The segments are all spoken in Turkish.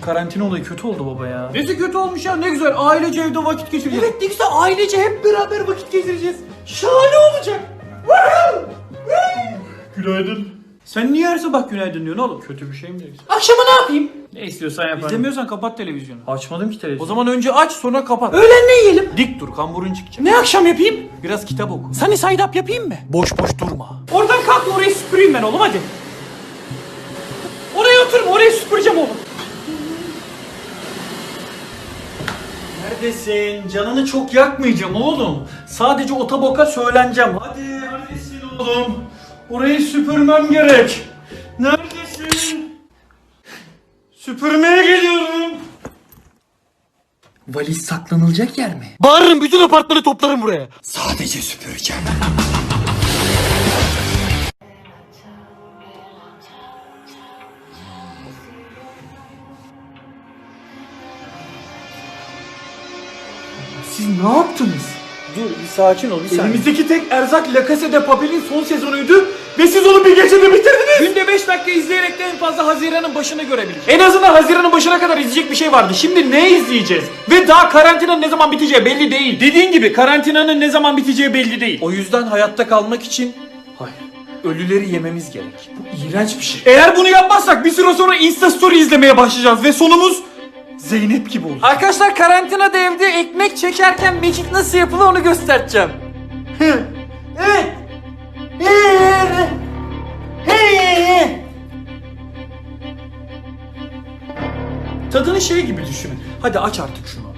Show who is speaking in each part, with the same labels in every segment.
Speaker 1: karantina olayı kötü oldu baba ya. Nesi kötü olmuş ya, ne güzel ailece evde vakit geçireceğiz. Evet ne güzel ailece hep beraber vakit geçireceğiz. Şahane olacak. Günaydın. Sen niye her sabah günaydın diyorsun oğlum? Kötü bir şey mi diyorsun? Akşama ne yapayım? Ne istiyorsan yaparım. İzlemiyorsan kapat televizyonu. Açmadım ki televizyonu. O zaman önce aç sonra kapat. Öğlen ne yiyelim? Dik dur, kamburun çıkacak. Ne akşam yapayım? Biraz kitap oku. Sunny side up yapayım mı? Boş boş durma. Oradan kalk, orayı süpüreyim ben oğlum hadi. Oraya oturma, orayı süpüreceğim oğlum. Neredesin? Canını çok yakmayacağım oğlum. Sadece otoboka söyleneceğim. Hadi neredesin oğlum? Orayı süpürmem gerek. Neredesin? Süpürmeye geliyorum. Valiz saklanılacak yer mi? Bağırırım, bütün apartmanı toplarım buraya. Sadece süpüreceğim. Siz ne yaptınız? Dur bir sakin ol bir saniye. Elimizdeki tek erzak La Casa de Papel'in son sezonuydu ve siz onu bir gecede bitirdiniz. Günde 5 dakika izleyerek de en fazla Haziran'ın başını görebiliriz. En azından Haziran'ın başına kadar izleyecek bir şey vardı. Şimdi ne izleyeceğiz? Ve daha karantinanın ne zaman biteceği belli değil. Dediğin gibi karantinanın ne zaman biteceği belli değil. O yüzden hayatta kalmak için ölüleri yememiz gerek. Bu iğrenç bir şey. Eğer bunu yapmazsak bir süre sonra Insta Story izlemeye başlayacağız ve sonumuz Zeynep gibi olur. Arkadaşlar karantinada evde ekmek çekerken magic nasıl yapılır onu göstereceğim. Evet. Tadını şey gibi düşünün. Hadi aç artık şunu.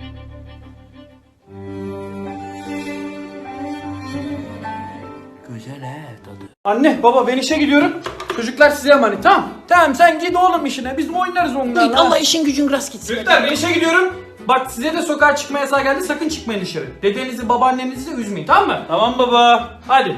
Speaker 1: Güzel tadı. Anne baba ben işe gidiyorum. Çocuklar size emanet tamam. Tamam sen git oğlum işine. Biz oynarız onlarla.
Speaker 2: Git Allah işin gücün rast gitsin.
Speaker 1: Çocuklar ben işe gidiyorum. Bak size de sokağa çıkma yasağı geldi. Sakın çıkmayın dışarı. Dedenizi babaannenizi de üzmeyin tamam mı? Tamam baba. Hadi.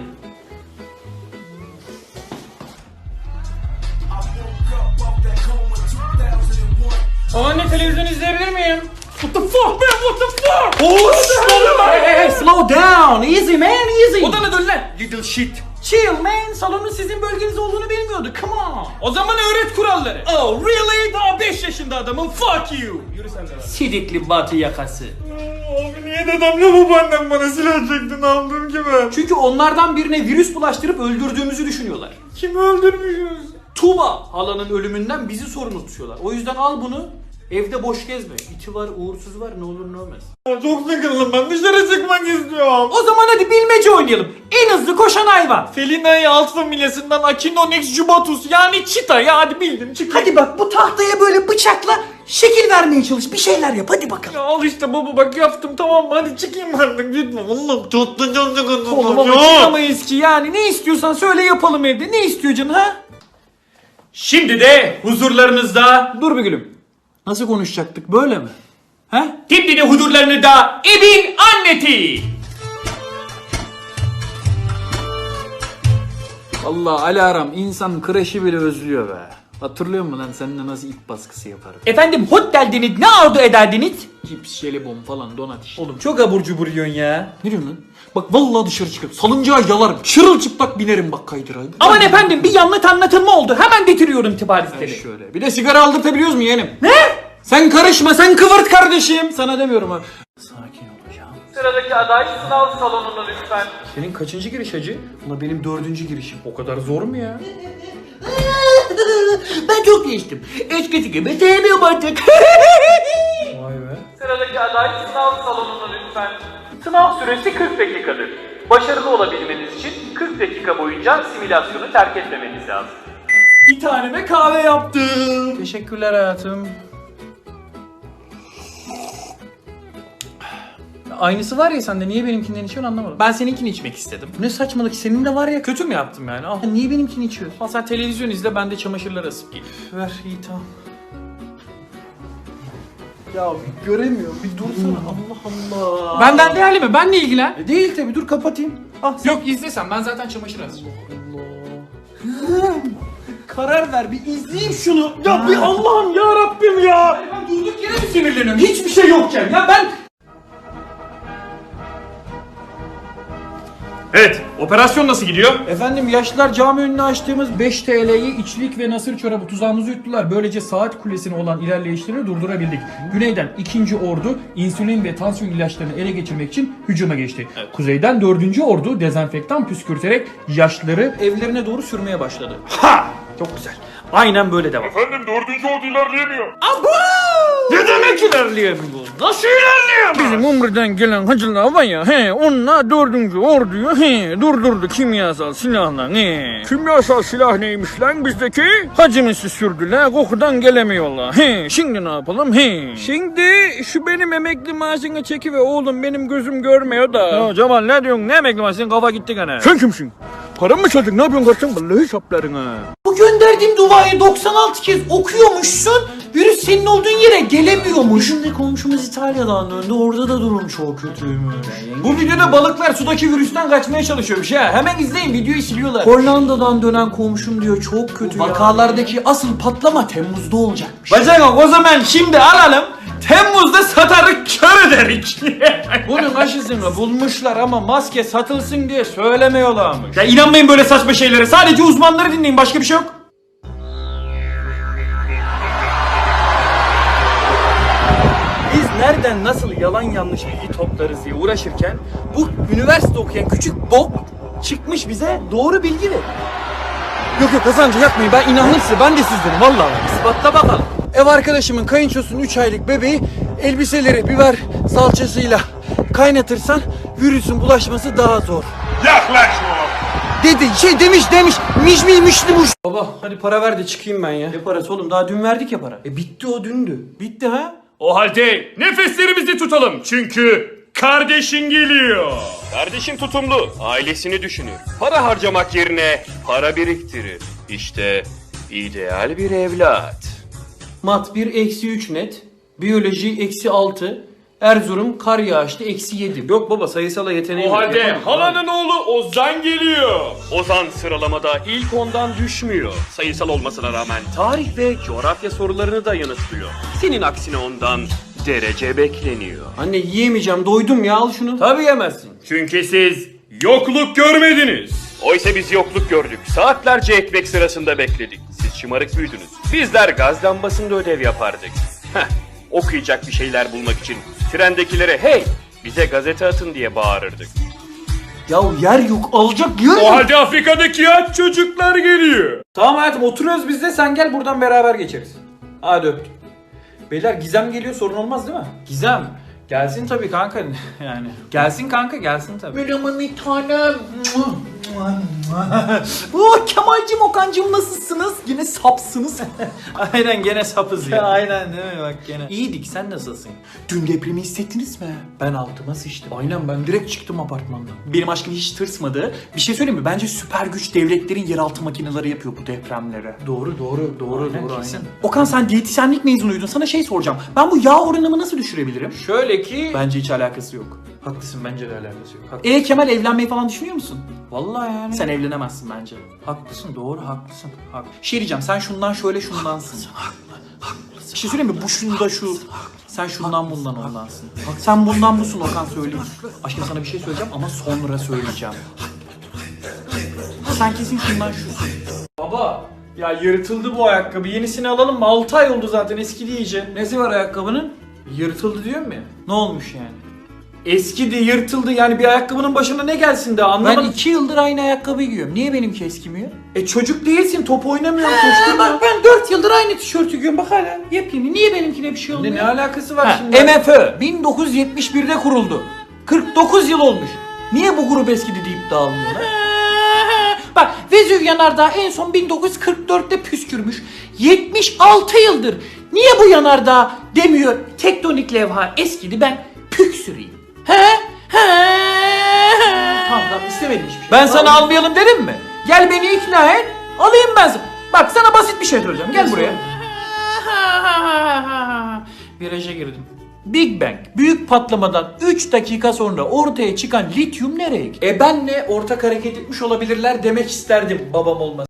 Speaker 1: Anne televizyon izleyebilir miyim? What the fuck man? What the fuck? Hey, slow down. Easy man, easy. Odana dön lan. Little shit. Chill man. Salonun sizin bölgeniz olduğunu bilmiyordu. Come on. O zaman öğret kuralları. Oh really? Daha 5 yaşında adamım. Fuck you. Yürü sen de. Sidikli batı yakası. Abi niye dedemle babaannem bana silah çekti? Ne yaptım ki ben? Çünkü onlardan birine virüs bulaştırıp öldürdüğümüzü düşünüyorlar. Kimi öldürmüşüz? Tuba halanın ölümünden bizi sorumlu tutuyorlar. O yüzden al bunu. Evde boş gezme. İti var, uğursuz var, ne olur ne olmaz. Çok sıkıldım ben. Dışarı çıkmak istiyorum. O zaman hadi bilmece oynayalım. En hızlı koşan hayvan. Felina'yı alt familyasından Echinonex jubatus yani çita ya hadi bildim çık.
Speaker 2: Hadi bak bu tahtaya böyle bıçakla şekil vermeye çalış. Bir şeyler yap hadi bakalım.
Speaker 1: Ya al işte baba bak yaptım tamam mı hadi çıkayım artık lütfen. Allah'ım çok sıkıldım. Oğlum ama çıkamayız ki yani ne istiyorsan söyle yapalım evde. Ne istiyor canın ha? Şimdi de huzurlarınızda... Dur bir gülüm. Nasıl konuşacaktık böyle mi? He? Şimdi de huzurlarınızda Ebin Anneti. Allah alarm insan kreşi bile özlüyor be. Hatırlıyor musun lan seninle nasıl it baskısı yaparım? Efendim hot geldiniz ne arzu ederdiniz? Cips, jelibon falan donat işte. Oğlum çok abur cubur yiyorsun ya. Ne diyorsun lan? Bak vallahi dışarı çıkıp salıncağa yalarım. Çırılçıplak binerim bak kaydıra. Aman efendim bir yanlış anlatılma oldu. Hemen getiriyorum tiparizleri. Şöyle. Bir de sigara aldırtabiliyoruz mu yeğenim? Ne? Sen karışma sen kıvırt kardeşim. Sana demiyorum ha. Sakin olacağım. Sıradaki aday sınav salonuna lütfen. Senin kaçıncı giriş hacı? Ulan benim 4. girişim. O kadar zor mu ya?
Speaker 2: Ben çok geçtim. Eskisi gibi sevmiyorum artık.
Speaker 1: Vay be. Sıradaki aday sınav salonuna lütfen. Sınav süresi 40 dakikadır. Başarılı olabilmeniz için 40 dakika boyunca simülasyonu terk etmemeniz lazım. Bir taneme kahve yaptım. Teşekkürler hayatım. Aynısı var ya sende niye benimkinden içiyorsun anlamadım. Ben seninkini içmek istedim. Ne saçmalık senin de var ya kötü mü yaptım yani? Al. Niye benimkini içiyorsun? Al sen televizyon izle ben de çamaşırları asıp geleyim. Ver iyi tamam. Ya bir göremiyorum bir dursana Allah Allah. Benden değerli mi? Benle ilgilen. Değil tabi dur kapatayım. Ah, yok izlesen ben zaten çamaşır asacağım. Allah. Karar ver bir izleyeyim şunu. Ya bir Allah'ım ya Rabbim ya. Ben durduk yere mi sinirleniyorum? Hiçbir şey yokken ya ben... Evet, Operasyon nasıl gidiyor?
Speaker 3: Efendim yaşlılar cami önüne açtığımız 5 TL'ye içlik ve nasır çorabı tuzağımızı yuttular. Böylece saat kulesine olan ilerleyişlerini durdurabildik. Güneyden 2. Ordu insülin ve tansiyon ilaçlarını ele geçirmek için hücuma geçti. Kuzeyden 4. Ordu dezenfektan püskürterek yaşlıları evlerine doğru sürmeye başladı.
Speaker 1: Ha! Çok güzel. Aynen böyle devam.
Speaker 4: Efendim 4. ordu ilerleyemiyor.
Speaker 1: Ne demek ilerleyemiyor? Nasıl ilerleyemiyor?
Speaker 3: Bizim Umre'den gelen hacılar var ya, onlar 4. orduyu durdurdu kimyasal silahla. Kimyasal silah neymiş lan bizdeki? Hacımızı sürdüler, kokudan gelemiyorlar. Şimdi ne yapalım? Şimdi şu benim emekli maaşını çeki ve oğlum benim gözüm görmüyor da. Ya Cemal ne diyorsun? Ne emekli maaşı? Senin kafa gitti gene. Sen kimsin? Param mı çaldın? Ne yapıyorsun kardeşim? Vallahi saplarım ha.
Speaker 2: Bu gönderdiğim duayı 96 kez okuyormuşsun. Virüs senin olduğun yere gelemiyormuş. Şimdi komşumuz İtalya'dan döndü. Orada da durum çok kötüymüş.
Speaker 3: Bu videoda balıklar sudaki virüsten kaçmaya çalışıyormuş ha. Hemen izleyin, videoyu siliyorlar.
Speaker 2: Hollanda'dan dönen komşum diyor çok kötü. Vakalardaki asıl patlama Temmuz'da olacakmış.
Speaker 3: Bacak o zaman şimdi alalım. Temmuz'da satarık kör ederik. Bunun aşısını bulmuşlar ama maske satılsın diye söylemiyorlarmış.
Speaker 1: Ya inanmayın böyle saçma şeylere. Sadece uzmanları dinleyin. Başka bir şey yok.
Speaker 3: Biz nereden nasıl yalan yanlış bilgi toplarız diye uğraşırken bu üniversite okuyan küçük bok çıkmış bize doğru bilgi ver. Yok yok Hasancı yapmayın, ben inanırsa ben de sizdenim vallahi. İspatla bakalım. Ev arkadaşımın kayınçosunun 3 aylık bebeği elbiseleri biber salçasıyla kaynatırsan virüsün bulaşması daha zor.
Speaker 4: Yaklaşma.
Speaker 3: Dedi demiş. Baba hadi para ver de çıkayım ben ya. Ne parası oğlum, daha dün verdik ya para. Bitti o dündü. Bitti ha?
Speaker 4: O halde nefeslerimizi tutalım çünkü kardeşin geliyor. Kardeşin tutumlu, ailesini düşünür. Para harcamak yerine para biriktirir. İşte ideal bir evlat.
Speaker 3: Mat 1 -3 net. Biyoloji -6. Erzurum kar yağışlı -7. Yok baba, sayısala yeteneği
Speaker 4: O
Speaker 3: yok.
Speaker 4: halde
Speaker 3: Yapamam.
Speaker 4: halanın oğlu Ozan geliyor. Ozan sıralamada ilk ondan düşmüyor. Sayısal olmasına rağmen tarih ve coğrafya sorularını da yanıtlıyor. Senin aksine ondan derece bekleniyor.
Speaker 3: Anne yiyemeyeceğim, doydum ya, al şunu. Tabii yemezsin.
Speaker 4: Çünkü siz yokluk görmediniz. Oysa biz yokluk gördük. Saatlerce ekmek sırasında bekledik. Siz şımarık büyüdünüz. Bizler gaz lambasında ödev yapardık. Heh, okuyacak bir şeyler bulmak için trendekilere hey bize gazete atın diye bağırırdık.
Speaker 2: Ya yer yok, alacak yer
Speaker 4: O
Speaker 2: yok.
Speaker 4: halde Afrika'daki aç çocuklar geliyor.
Speaker 3: Tamam hayatım, oturuyoruz biz de, sen gel buradan beraber geçeriz. Hadi öptüm. Beyler Gizem geliyor, sorun olmaz değil mi? Gizem. Gelsin tabii kanka yani. Gelsin kanka, gelsin tabii.
Speaker 2: Merhaba bir tanem. Oh, Kemal'cim, Okan'cım nasılsınız? Yine sapsınız.
Speaker 3: Aynen gene sapız ya.
Speaker 2: Aynen değil mi bak gene.
Speaker 3: İyiydik, sen nasılsın?
Speaker 2: Dün depremi hissettiniz mi?
Speaker 3: Ben altıma sıçtım. Aynen, ben direkt çıktım apartmandan.
Speaker 2: Benim aşkım hiç tırsmadı. Bir şey söyleyeyim mi? Bence süper güç devletlerin yeraltı makineleri yapıyor bu depremlere.
Speaker 3: Doğru
Speaker 2: Kesin. Okan, sen diyetisyenlik mezunuydun. Sana şey soracağım. Ben bu yağ oranımı nasıl düşürebilirim?
Speaker 3: Şöyle ki...
Speaker 2: Bence hiç alakası yok.
Speaker 3: Haklısın, bence de alakası yok. Haklısın.
Speaker 2: Kemal, evlenmeyi falan düşünüyor musun?
Speaker 3: Vallahi yani.
Speaker 2: Sen evlenemezsin bence.
Speaker 3: haklısın, doğru haklısın.
Speaker 2: Şey diyeceğim, sen şundan şöyle şundansın. Bir şey söyleyeyim mi? Bu şunda şu. Sen şundan bundan ondansın. Bak sen bundan busun Okan, söyleyeyim. Aşkım sana bir şey söyleyeceğim ama sonra söyleyeceğim. Sen kesin şundan şusun.
Speaker 3: Baba, ya yırtıldı bu ayakkabı. Yenisini alalım mı? 6 ay oldu zaten, eskidi iyice. Nesi var ayakkabının? Yırtıldı diyorum ya.
Speaker 2: Ne olmuş yani?
Speaker 3: Eskidi, yırtıldı, yani bir ayakkabının başına ne gelsin de anlamadım.
Speaker 2: Ben 2 yıldır aynı ayakkabıyı giyiyorum. Niye benimki eskimiyor?
Speaker 3: Çocuk değilsin, top oynamıyorsun, koşturma.
Speaker 2: Bak ben 4 yıldır aynı tişörtü giyiyorum. Bak hala yepyeni. Niye benimkine bir şey olmuyor?
Speaker 3: Ne alakası var şimdi?
Speaker 2: MFÖ 1971'de kuruldu. 49 yıl olmuş. Niye bu grup eskidi deyip dağılmıyorlar? Bak Vezüv yanardağı en son 1944'te püskürmüş. 76 yıldır. Niye bu yanardağ demiyor? Tektonik levha eskidi, ben püksüreyim. Tamam istemedim hiçbir şey.
Speaker 3: Ben sana almayalım dedim mi? Gel beni ikna et, alayım ben sana. Bak sana basit bir şey söyleyeceğim, gel buraya.
Speaker 2: Viraja girdim. Big Bang büyük patlamadan 3 dakika sonra ortaya çıkan lityum nereye gitti?
Speaker 3: Benle ortak hareket etmiş olabilirler demek isterdim babam olmasa.